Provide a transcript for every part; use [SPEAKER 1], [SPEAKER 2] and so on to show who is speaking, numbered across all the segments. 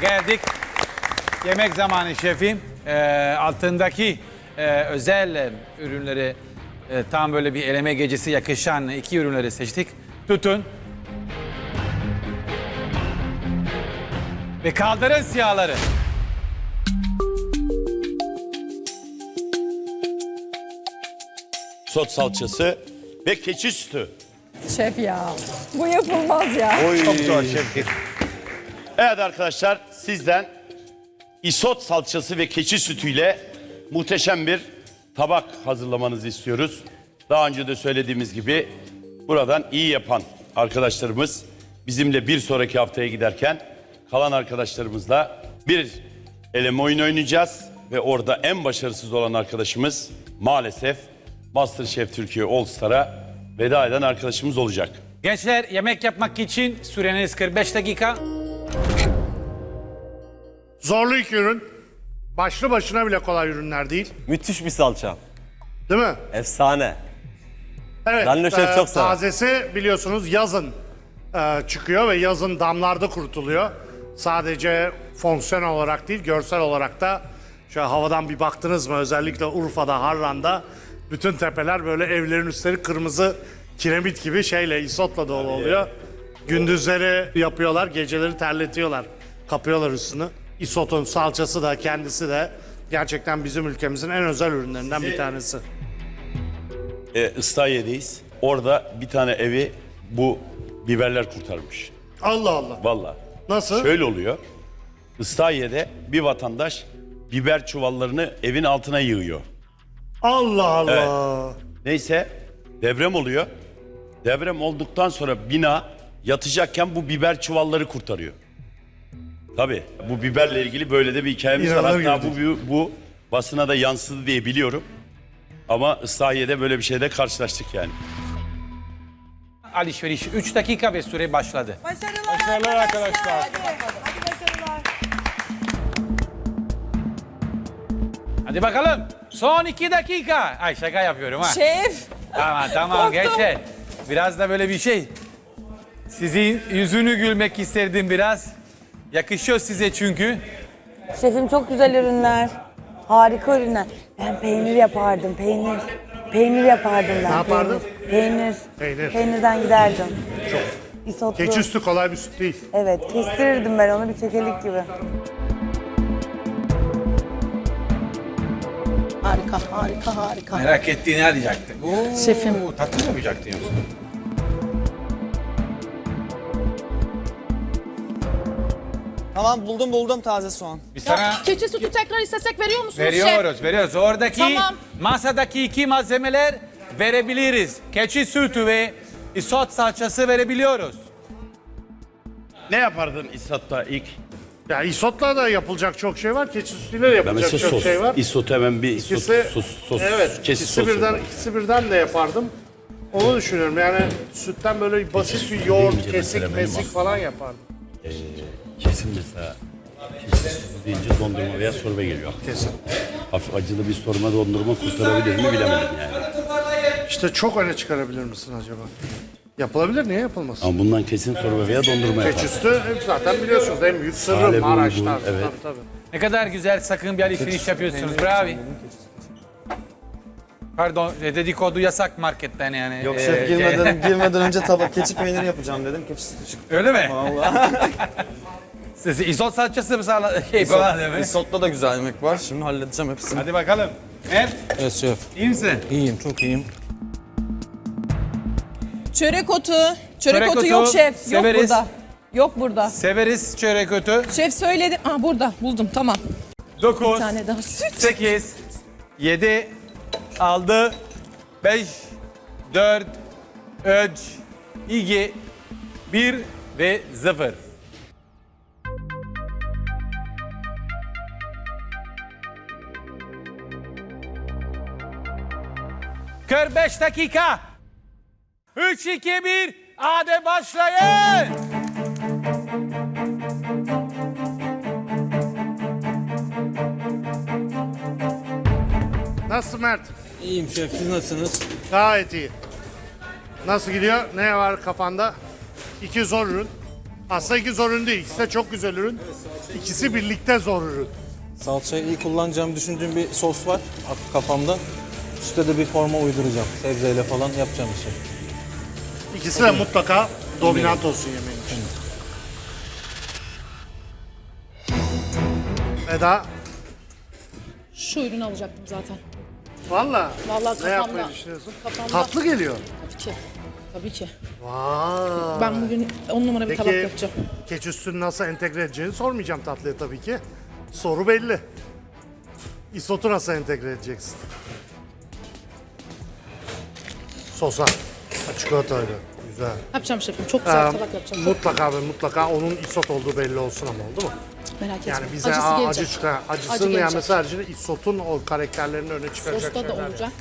[SPEAKER 1] Geldik. Yemek zamanı şefim. Altındaki özel ürünleri tam böyle bir eleme gecesi yakışan iki ürünleri seçtik. Tutun. Ve kaldırın siyahları.
[SPEAKER 2] Sot salçası ve keçi sütü.
[SPEAKER 3] Şef ya. Bu yapılmaz ya.
[SPEAKER 2] Çok zor şef. Evet arkadaşlar, sizden isot salçası ve keçi sütüyle muhteşem bir tabak hazırlamanızı istiyoruz. Daha önce de söylediğimiz gibi buradan iyi yapan arkadaşlarımız bizimle bir sonraki haftaya giderken kalan arkadaşlarımızla bir eleme oyunu oynayacağız. Ve orada en başarısız olan arkadaşımız maalesef MasterChef Türkiye All Star'a veda eden arkadaşımız olacak.
[SPEAKER 1] Gençler, yemek yapmak için süreniz 45 dakika.
[SPEAKER 4] Zorlu iki ürün. Başlı başına bile kolay ürünler değil.
[SPEAKER 5] Müthiş bir salça.
[SPEAKER 4] Değil mi?
[SPEAKER 5] Efsane.
[SPEAKER 4] Evet.
[SPEAKER 5] Danilo Şef çok sever.
[SPEAKER 4] Tazesi biliyorsunuz yazın çıkıyor ve yazın damlarda kurutuluyor. Sadece fonksiyon olarak değil, görsel olarak da şöyle havadan bir baktınız mı, özellikle Urfa'da, Harran'da bütün tepeler böyle, evlerin üstleri kırmızı kiremit gibi şeyle, isotla dolu oluyor. Gündüzleri yapıyorlar, geceleri terletiyorlar. Kapıyorlar üstünü. İsotun salçası da kendisi de gerçekten bizim ülkemizin en özel ürünlerinden bir tanesi.
[SPEAKER 2] Islahiye'deyiz. Orada bir tane evi bu biberler kurtarmış.
[SPEAKER 4] Allah Allah.
[SPEAKER 2] Vallahi.
[SPEAKER 4] Nasıl?
[SPEAKER 2] Şöyle oluyor. Islahiye'de bir vatandaş biber çuvallarını evin altına yığıyor.
[SPEAKER 4] Allah Allah.
[SPEAKER 2] Neyse deprem oluyor. Deprem olduktan sonra bina yatacakken bu biber çuvalları kurtarıyor. Tabii bu biberle ilgili böyle de bir hikayemiz var.
[SPEAKER 4] İnanılır
[SPEAKER 2] Hatta
[SPEAKER 4] gibi.
[SPEAKER 2] bu basına da yansıdı diye biliyorum. Ama Islahiye'de böyle bir şeyle karşılaştık yani.
[SPEAKER 1] Alışveriş 3 dakika ve süre başladı.
[SPEAKER 3] Başarılar arkadaşlar. Hadi başarılar.
[SPEAKER 1] Hadi bakalım. Son 2 dakika. Ay şaka yapıyorum ha.
[SPEAKER 3] Şef.
[SPEAKER 1] Tamam
[SPEAKER 3] Korktum.
[SPEAKER 1] gençler. Biraz da böyle bir şey. Sizin yüzünü gülmek isterdim biraz. Yakışıyor size çünkü.
[SPEAKER 6] Şefim çok güzel ürünler. Harika ürünler. Ben peynir yapardım, peynir. Peynir yapardım ben.
[SPEAKER 4] Ne yapardın?
[SPEAKER 6] Peynir.
[SPEAKER 4] Peynir.
[SPEAKER 6] Peynirden giderdim.
[SPEAKER 4] Çok.
[SPEAKER 6] İsotlu.
[SPEAKER 4] Keçi üstü kolay bir süt değil.
[SPEAKER 6] Evet, kestirirdim ben onu bir çekelik gibi.
[SPEAKER 3] Harika, harika, harika.
[SPEAKER 1] Merak ettiğini arayacaktı.
[SPEAKER 3] Şefim.
[SPEAKER 1] Tatlı mı yapacaktın yoksa?
[SPEAKER 7] Tamam buldum taze soğan.
[SPEAKER 1] Biz sana
[SPEAKER 3] Keçi sütü tekrar istesek veriyor musunuz
[SPEAKER 1] veriyoruz. Oradaki
[SPEAKER 3] Tamam.
[SPEAKER 1] masadaki iki malzemeler verebiliriz. Keçi sütü ve isot salçası verebiliyoruz.
[SPEAKER 2] Ne yapardın İsat'ta ilk?
[SPEAKER 4] Ya isotla da yapılacak çok şey var. Keçi sütüyle de
[SPEAKER 2] Ben
[SPEAKER 4] yapılacak
[SPEAKER 2] mesela
[SPEAKER 4] çok şey var.
[SPEAKER 2] İsot hemen bir
[SPEAKER 4] İkisi,
[SPEAKER 2] sos.
[SPEAKER 4] evet,
[SPEAKER 2] Keçi
[SPEAKER 4] ikisi
[SPEAKER 2] sosu.
[SPEAKER 4] birden de yapardım. Onu düşünüyorum. Yani sütten böyle basit bir yoğurt,
[SPEAKER 2] deyince mesela
[SPEAKER 4] kesik,
[SPEAKER 2] benim
[SPEAKER 4] mesik falan yapardım.
[SPEAKER 2] Kesin mesela keçi sosu deyince dondurma veya sorbe geliyor.
[SPEAKER 4] Kesin.
[SPEAKER 2] Hafif acılı bir sorma dondurma kurtarabilir mi bilemedim yani.
[SPEAKER 4] İşte çok öne çıkarabilir misin acaba? Yapılabilir, niye yapılmasın?
[SPEAKER 2] Ama bundan kesin sorbe veya dondurma
[SPEAKER 4] Keçi
[SPEAKER 2] yapar.
[SPEAKER 4] sütü zaten biliyorsunuz en büyük sırrı
[SPEAKER 2] Sale
[SPEAKER 4] Maraş'ta.
[SPEAKER 2] bulgur, evet.
[SPEAKER 4] Tabii.
[SPEAKER 1] Ne kadar güzel, sakın bir alışveriş yapıyorsunuz. Bravo. Pardon, dedikodu yasak marketten yani.
[SPEAKER 7] Yok şef girmeden önce tabak keçi peyniri yapacağım dedim. Keçi sütü çıktı.
[SPEAKER 1] Öyle mi?
[SPEAKER 7] Vallahi.
[SPEAKER 1] Siz isot salçası mı falan değil mi?
[SPEAKER 7] Risotto'da da güzel yemek var. Şimdi halledeceğim hepsini.
[SPEAKER 1] Hadi bakalım.
[SPEAKER 7] Evet şef.
[SPEAKER 1] İyi misin?
[SPEAKER 7] İyiyim çok iyiyim.
[SPEAKER 3] Çörek otu.
[SPEAKER 1] Çörek
[SPEAKER 3] Çörek otu
[SPEAKER 1] otu
[SPEAKER 3] yok şef.
[SPEAKER 1] severiz.
[SPEAKER 3] Yok burada. Yok burada.
[SPEAKER 1] Severiz çörek otu.
[SPEAKER 3] Şef söyledi. Aa burada buldum tamam.
[SPEAKER 1] 9,
[SPEAKER 3] Bir tane daha süt.
[SPEAKER 1] 8, 7, 6, 5, 4, 3, 2, 1 ve 0. ...45 dakika. 3, 2, 1. Hadi başlayın.
[SPEAKER 4] Nasıl Mert?
[SPEAKER 7] İyiyim şef siz nasılsınız?
[SPEAKER 4] Gayet iyi. Nasıl gidiyor? Ne var kafanda? İki zor ürün. Aslında iki zor ürün değil. İkisi de çok güzel ürün. İkisi birlikte zor ürün.
[SPEAKER 5] Salçayı iyi kullanacağımı düşündüğüm bir sos var kafamda. Üstte de bir forma uyduracağım. Sebzeyle falan yapacağım bir şey.
[SPEAKER 4] İkisi de mutlaka dominant olsun yemeğin için. Eda,
[SPEAKER 3] Şu ürünü alacaktım zaten.
[SPEAKER 4] valla
[SPEAKER 3] Vallahi
[SPEAKER 4] ne yapmayı
[SPEAKER 3] kafamda.
[SPEAKER 4] düşünüyorsun?
[SPEAKER 3] Kafamda.
[SPEAKER 4] Tatlı geliyor.
[SPEAKER 3] Tabii ki. Tabii ki.
[SPEAKER 4] Vay.
[SPEAKER 3] Ben bugün 10 numara bir tabak
[SPEAKER 4] Peki
[SPEAKER 3] yapacağım.
[SPEAKER 4] keçi üstünü nasıl entegre edeceğini sormayacağım tatlıya tabii ki. Soru belli. İsotu nasıl entegre edeceksin? Sosa. Çikolatayla. Güzel.
[SPEAKER 3] Yapacağım şefim. Çok güzel bir tabak yapacağım. Çok
[SPEAKER 4] Mutlaka ve mutlaka onun isot olduğu belli olsun ama oldu mu?
[SPEAKER 3] merak etme.
[SPEAKER 4] Yani bize
[SPEAKER 3] Acısı
[SPEAKER 4] acı
[SPEAKER 3] gelecek.
[SPEAKER 4] çıkar.
[SPEAKER 3] Acı
[SPEAKER 4] Acısının
[SPEAKER 3] gelecek.
[SPEAKER 4] yenmesi haricinde isotun o karakterlerini öne çıkaracak
[SPEAKER 3] Sosta da
[SPEAKER 4] şeyler.
[SPEAKER 3] olacak.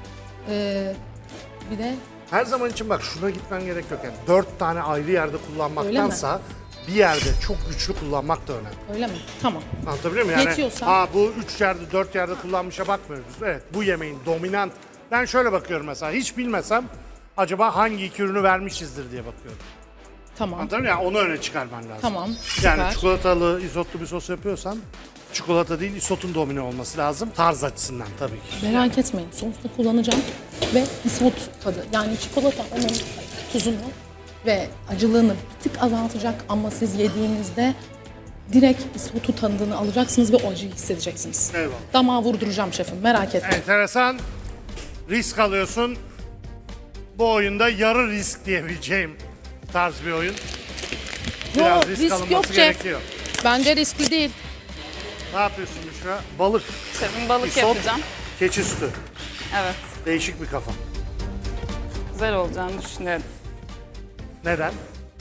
[SPEAKER 3] Bir de
[SPEAKER 4] Her zaman için bak şuna gitmen gerek yok. Yani 4 tane ayrı yerde kullanmaktansa bir yerde çok güçlü kullanmak da önemli.
[SPEAKER 3] öyle mi? Tamam.
[SPEAKER 4] Anlatabiliyor muyum? Yani
[SPEAKER 3] Yetiyorsa-
[SPEAKER 4] bu 3 yerde 4 yerde kullanmışa bakmıyoruz. Evet bu yemeğin dominant. Ben şöyle bakıyorum mesela hiç bilmesem acaba hangi iki ürünü vermişizdir diye bakıyorum.
[SPEAKER 3] Tamam.
[SPEAKER 4] Anlatabiliyor muyum? Yani onu öne çıkarman lazım.
[SPEAKER 3] Tamam. Süper.
[SPEAKER 4] Yani çikolatalı, isotlu bir sos yapıyorsan çikolata değil isotun domine olması lazım. Tarz açısından tabii ki.
[SPEAKER 3] Merak etmeyin. Sosta kullanacağım ve isot tadı. Yani çikolata onun tuzunu ve acılığını bir tık azaltacak ama siz yediğinizde direkt isotu tadını alacaksınız ve o acıyı hissedeceksiniz.
[SPEAKER 4] Eyvallah.
[SPEAKER 3] Damağa vurduracağım şefim. Merak etmeyin.
[SPEAKER 4] Enteresan risk alıyorsun. Bu oyunda yarı risk diyebileceğim tarz bir oyun. Biraz risk alınması
[SPEAKER 3] yok şef.
[SPEAKER 4] gerekiyor.
[SPEAKER 3] Bence riskli değil.
[SPEAKER 4] Ne yapıyorsun Büşra? Balık,
[SPEAKER 8] Şefim balık
[SPEAKER 4] isot,
[SPEAKER 8] yapacağım.
[SPEAKER 4] keçi sütü.
[SPEAKER 8] Evet.
[SPEAKER 4] Değişik bir kafa.
[SPEAKER 8] Güzel olacağını düşünüyorum.
[SPEAKER 4] Neden?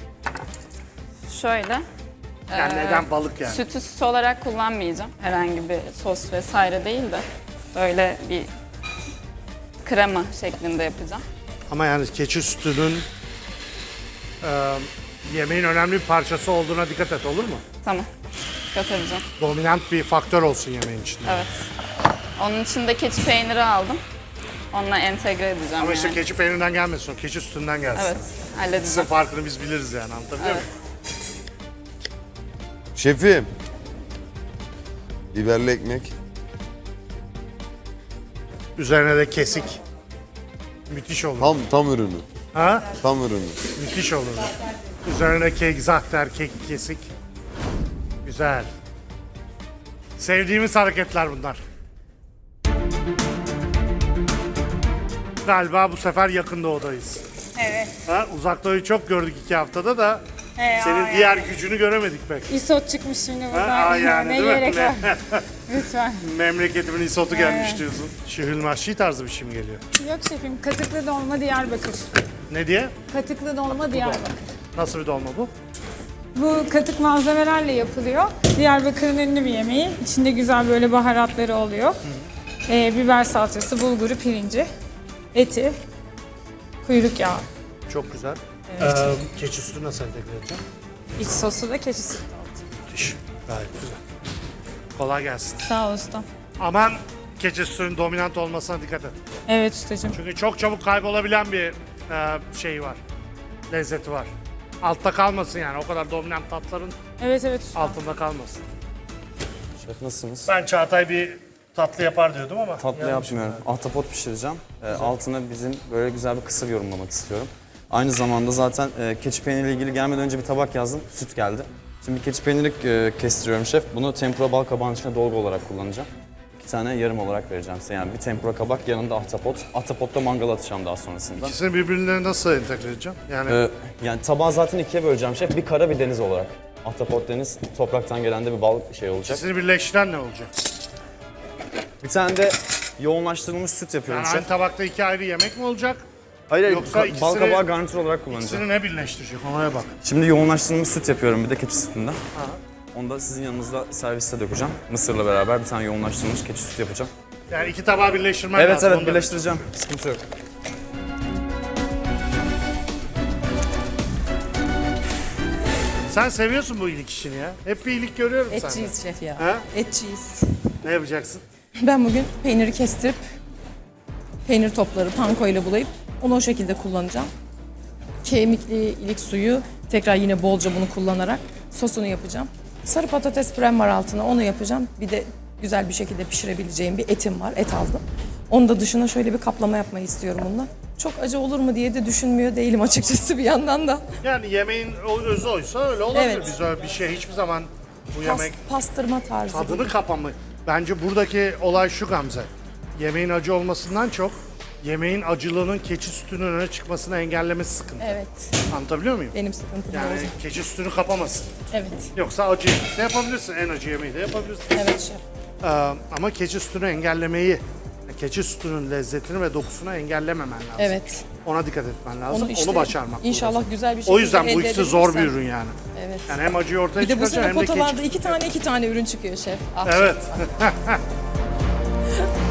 [SPEAKER 8] Şöyle.
[SPEAKER 4] Yani neden balık yani?
[SPEAKER 8] Sütü süt olarak kullanmayacağım. Herhangi bir sos vesaire değil de böyle bir krema şeklinde yapacağım.
[SPEAKER 4] Ama yani keçi sütünün yemeğin önemli bir parçası olduğuna dikkat et olur mu?
[SPEAKER 8] Tamam. Dikkat edeceğim.
[SPEAKER 4] Dominant bir faktör olsun yemeğin içinde.
[SPEAKER 8] Evet. Onun için de keçi peyniri aldım. Onunla entegre edeceğim
[SPEAKER 4] Ama işte
[SPEAKER 8] yani.
[SPEAKER 4] keçi peynirinden gelmesin, o keçi sütünden gelsin.
[SPEAKER 8] Evet.
[SPEAKER 4] Sizin
[SPEAKER 8] Halledeceğim.
[SPEAKER 4] farkını biz biliriz yani anlatabiliyor
[SPEAKER 8] Evet.
[SPEAKER 4] muyum?
[SPEAKER 9] Şefim. Biberli ekmek.
[SPEAKER 4] Üzerine de kesik. Müthiş olur.
[SPEAKER 9] Tam ürünü.
[SPEAKER 4] Ha?
[SPEAKER 9] Tam ürünü.
[SPEAKER 4] Müthiş olur. Üzerine kek, zahter, kek, kesik. Güzel. Sevdiğimiz hareketler bunlar. Galiba bu sefer yakın doğudayız.
[SPEAKER 10] Evet.
[SPEAKER 4] Ha, uzak doğuyu çok gördük 2 haftada da senin diğer gücünü göremedik pek.
[SPEAKER 10] İsot çıkmış şimdi
[SPEAKER 4] Ha,
[SPEAKER 10] buradan.
[SPEAKER 4] yani
[SPEAKER 10] ne
[SPEAKER 4] değil mi?
[SPEAKER 10] gerek var? Lütfen.
[SPEAKER 4] Memleketimin isotu gelmiş diyorsun. Şihül mahşi tarzı bir şey mi geliyor?
[SPEAKER 10] Yok şefim, katıklı dolma Diyarbakır.
[SPEAKER 4] Ne diye?
[SPEAKER 10] Katıklı dolma Diyarbakır.
[SPEAKER 4] Nasıl bir dolma bu?
[SPEAKER 10] Bu katık malzemelerle yapılıyor. Diyarbakır'ın ünlü bir yemeği. İçinde güzel böyle baharatları oluyor. Biber salçası, bulguru, pirinci, eti, kuyruk yağı.
[SPEAKER 4] Çok güzel. Keçi sütü nasıl entegre edeceğim?
[SPEAKER 10] İç sosu da keçi sütü.
[SPEAKER 4] Müthiş. Gayet güzel. Kolay gelsin.
[SPEAKER 10] Sağ ol ustam.
[SPEAKER 4] Aman keçi sütünün dominant olmasına dikkat et.
[SPEAKER 10] Evet ustacığım.
[SPEAKER 4] Çünkü çok çabuk kaybolabilen bir şey var. Lezzeti var. Altta kalmasın yani. O kadar dominant tatların
[SPEAKER 10] Evet ustam.
[SPEAKER 4] altında kalmasın.
[SPEAKER 5] Şef nasılsınız?
[SPEAKER 4] Ben Çağatay bir tatlı yapar diyordum ama.
[SPEAKER 5] Tatlı yapmıyorum. Ahtapot pişireceğim. Altına bizim böyle güzel bir kısır yorumlamak istiyorum. Aynı zamanda zaten keçi peyniriyle ilgili gelmeden önce bir tabak yazdım. Süt geldi. Şimdi keçi peyniri kestiriyorum şef. Bunu tempura bal kabağının içine dolgu olarak kullanacağım. 2 tane yarım olarak vereceğim size. Yani bir tempura kabak, yanında ahtapot. Ahtapotta mangala atacağım daha sonrasında.
[SPEAKER 4] İkisini birbirine nasıl entegre edeceğim? Yani
[SPEAKER 5] Yani tabağı zaten 2'ye böleceğim şef. Bir kara bir deniz olarak. Ahtapot deniz, topraktan gelen de bir bal şey olacak.
[SPEAKER 4] ikisini birleştiren ne olacak?
[SPEAKER 5] Bir tane de yoğunlaştırılmış süt yapıyorum
[SPEAKER 4] Yani aynı
[SPEAKER 5] şef.
[SPEAKER 4] tabakta 2 ayrı yemek mi olacak?
[SPEAKER 5] Hayır,
[SPEAKER 4] yoksa
[SPEAKER 5] bal
[SPEAKER 4] ikisini-
[SPEAKER 5] kabağı garnitür olarak kullanacağım.
[SPEAKER 4] İkisini ne birleştirecek? Ona bak.
[SPEAKER 5] Şimdi yoğunlaştırılmış süt yapıyorum bir de keçi sütünden. Onu da sizin yanınızda serviste dökeceğim. Mısırla beraber bir tane yoğunlaştırılmış keçi sütü yapacağım.
[SPEAKER 4] Yani 2 tabağı birleştirmen
[SPEAKER 5] Evet
[SPEAKER 4] lazım.
[SPEAKER 5] evet
[SPEAKER 4] onu da-
[SPEAKER 5] birleştireceğim. Sıkıntı yok.
[SPEAKER 4] Sen seviyorsun bu iyilik işini ya. Hep bir iyilik görüyorum sende.
[SPEAKER 3] Etçiyiz şef ya.
[SPEAKER 4] Ha?
[SPEAKER 3] Etçiyiz.
[SPEAKER 4] Ne yapacaksın?
[SPEAKER 3] Ben bugün peyniri kestirip peynir topları panko ile bulayıp onu o şekilde kullanacağım. Kemikli ilik suyu
[SPEAKER 9] Tekrar yine bolca bunu kullanarak sosunu yapacağım. Sarı patates pürem var altına, onu yapacağım. Bir de güzel bir şekilde pişirebileceğim bir etim var, et aldım. Onu da dışına şöyle bir kaplama yapmayı istiyorum bununla. Çok acı olur mu diye de düşünmüyor değilim açıkçası bir yandan da.
[SPEAKER 4] Yani yemeğin özü oysa öyle olabilir.
[SPEAKER 9] Evet.
[SPEAKER 4] Biz öyle bir şey hiçbir zaman bu yemek
[SPEAKER 9] Pastırma tarzı.
[SPEAKER 4] tadını kapamayı. Bence buradaki olay şu Gamze. Yemeğin acı olmasından çok yemeğin acılığının keçi sütünün öne çıkmasını engellemesi sıkıntı.
[SPEAKER 9] Evet,
[SPEAKER 4] Anlatabiliyor muyum?
[SPEAKER 9] benim sıkıntım
[SPEAKER 4] Yani
[SPEAKER 9] olacak.
[SPEAKER 4] keçi sütünü kapamasın.
[SPEAKER 9] Evet,
[SPEAKER 4] Yoksa acı de yapabilirsin. En acı yemeği de yapabilirsin.
[SPEAKER 9] evet şef.
[SPEAKER 4] Ama keçi sütünü engellemeyi, keçi sütünün lezzetini ve dokusunu engellememen lazım.
[SPEAKER 9] Evet.
[SPEAKER 4] Ona dikkat etmen lazım. Onu,
[SPEAKER 9] işte
[SPEAKER 4] başarmak.
[SPEAKER 9] İnşallah
[SPEAKER 4] zorundasın.
[SPEAKER 9] güzel bir şekilde
[SPEAKER 4] O yüzden bu
[SPEAKER 9] elde
[SPEAKER 4] ikisi zor bir
[SPEAKER 9] edebilirsem.
[SPEAKER 4] ürün yani.
[SPEAKER 9] Evet.
[SPEAKER 4] Yani hem acıyı ortaya
[SPEAKER 9] Bir de bu
[SPEAKER 4] çıkaracaksın
[SPEAKER 9] sene
[SPEAKER 4] hem de keçi.
[SPEAKER 9] potalarda iki tane ürün çıkıyor şef. Ah,
[SPEAKER 4] Evet.
[SPEAKER 9] şef.